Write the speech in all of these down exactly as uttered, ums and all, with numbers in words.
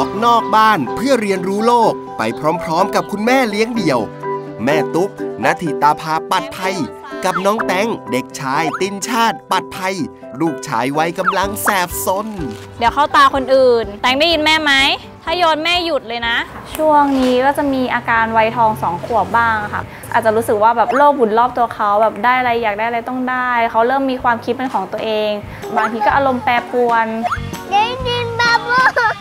อกนอกบ้านเพื่อเรียนรู้โลกไปพร้อมๆกับคุณแม่เลี้ยงเดี่ยวแม่ตุ๊กณทิตาภาปัดภัยกับน้องแตงเด็กชายตินชาติปัดภัยลูกชายวัยกำลังแสบซนเดี๋ยวเข้าตาคนอื่นแตงได้ยินแม่ไหมถ้าโยนแม่หยุดเลยนะช่วงนี้ก็จะมีอาการวัยทองสองขวบบ้างค่ะอาจจะรู้สึกว่าแบบโลกหมุนรอบตัวเขาแบบได้อะไรอยากได้อะไรต้องได้เขาเริ่มมีความคิดเป็นของตัวเองบางทีก็อารมณ์แปรปรวนได้ยินบ้าบ้า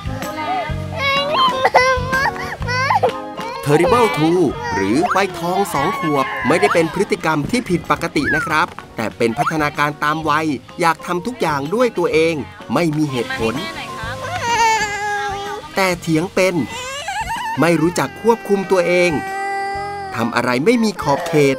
Terrible ทู หรือวัยทองสองขวบไม่ได้เป็นพฤติกรรมที่ผิดปกตินะครับแต่เป็นพัฒนาการตามวัยอยากทำทุกอย่างด้วยตัวเองไม่มีเหตุผลแต่เถียงเป็นไม่รู้จักควบคุมตัวเองทำอะไรไม่มีขอบเขต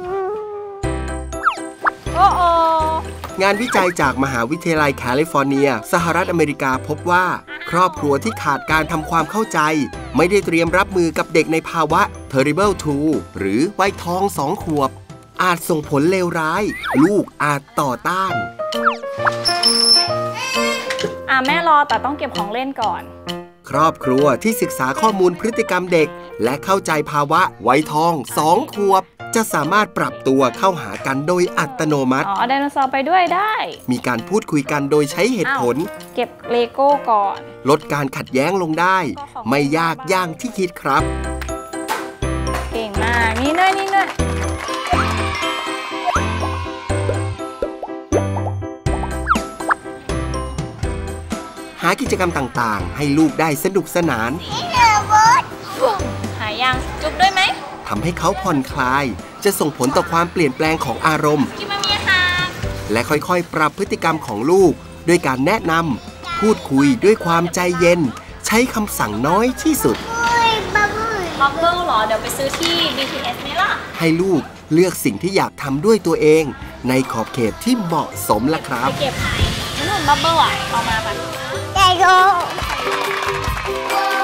โอ้โงานวิจัยจากมหาวิทยาลัยแคลิฟอร์เนียสหรัฐอเมริกาพบว่าครอบครัวที่ขาดการทำความเข้าใจไม่ได้เตรียมรับมือกับเด็กในภาวะ Terrible ทู หรือวัยทองสองขวบอาจส่งผลเลวร้ายลูกอาจต่อต้านอ่ะแม่รอแต่ต้องเก็บของเล่นก่อนครอบครัวที่ศึกษาข้อมูลพฤติกรรมเด็กและเข้าใจภาวะวัยทองสองขวบจะสามารถปรับตัวเข้าหากันโดยอัตโนมัติอ๋อไดโนเสาร์ไปด้วยได้มีการพูดคุยกันโดยใช้เหตุผลเก็บเลโก้ก่อนลดการขัดแย้งลงได้ไม่ยากอย่างที่คิดครับเก่งมากนี่เนยนี่เนยหากิจกรรมต่างๆให้ลูกได้สนุกสนานหายังจุ๊บด้วยไหมทำให้เขาผ่อนคลายจะส่งผลต่อความเปลี่ยนแปลงของอารมณ์และค่อยๆปรับพฤติกรรมของลูกด้วยการแนะนำพูดคุยด้วยความใจเย็นใช้คำสั่งน้อยที่สุดบับเบิ้ลหรอเดี๋ยวไปซื้อที่ บี ที เอส ไหมล่ะให้ลูกเลือกสิ่งที่อยากทำด้วยตัวเองในขอบเขตที่เหมาะสมล่ะครับไปเก็บไหนนุ่นบับเบิ้ลอ่ะเอามาปะได้โ